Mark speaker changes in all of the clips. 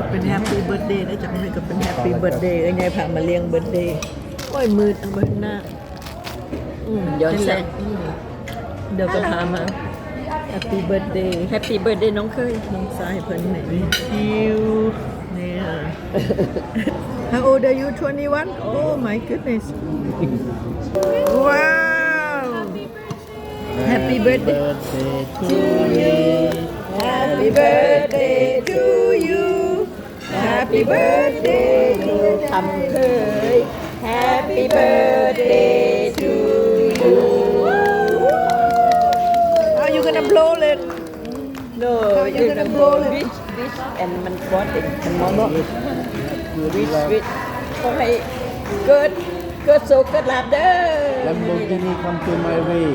Speaker 1: เป็นแฮปปี้เบิร์ดเดย์นะจังเลยก็เป็นแฮปปี้เบิร์ดเดย์ไงพามาเลี้ยงเบิร์ดเดย์โอ้ยมืดเอาไปหน้าย้อนแสงเดี๋ยวก็พามาแฮปปี้เบิร์ดเดย์แฮปปี้เบิร์ดเดย์น้องเคยน้องสายเพิ่นไหนคิวเนี่ย How old are you 21 Oh my goodness Wow Happy birthday to you Happy birthday to you Happy birthday to ทำเคย Happy birthday to you Are you gonna blow it? No, you're gonna blow it. Wish and มันฟอสติมันมองว่า wish ขอให้เกิดสุขเกิดลาภเด้อ
Speaker 2: Lamborghini come to my way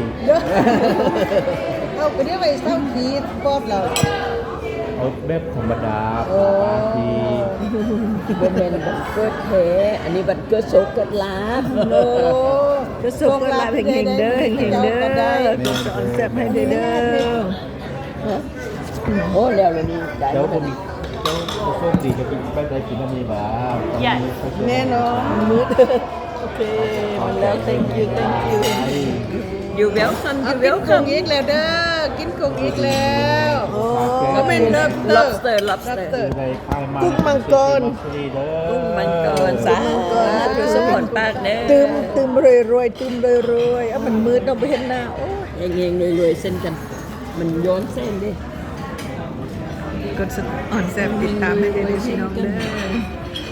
Speaker 3: เอาไปเรียกไปเศร้าขีดปอบเรา
Speaker 2: เอาแบบธรรมดาบางที
Speaker 1: บ่แม่นบัดเกิดแท้อันนี้บัดเกิดสุขเกิดลาภโลเกิดสุขเกิดลาภเฮงๆเด้อเฮงๆเด้อเกิดสอนแซ่บให้เด้อโอ้แล้วนี่ได้
Speaker 2: เดี๋ยว
Speaker 1: บ่
Speaker 2: คนเจ้าโชคดีจะกินไปได้กินอันนี้บ้าง
Speaker 3: แน่นอน
Speaker 1: มืดโอเคมันแล้ว thank you you welcome
Speaker 3: เอา
Speaker 1: you
Speaker 3: กินคง
Speaker 1: welcome
Speaker 3: อีกแล้วเด้อกินคงอีกแล้ว
Speaker 1: โอ้
Speaker 3: ก็เป็น
Speaker 1: lobster
Speaker 2: ในค่ายมา
Speaker 1: กุ้งมังกร
Speaker 2: กุ้ง
Speaker 1: มันเกินสาธุสมบูรณ์ปากเด้อตึมรวยตึมรวยเอามันมืดเราไปเห็นหน้าโอ้ยเฮงๆรวยเส้นกันมันย้อนเส้นดิกดอ่อนแซ่บติดตามให้ได้พี่น้องเด้อ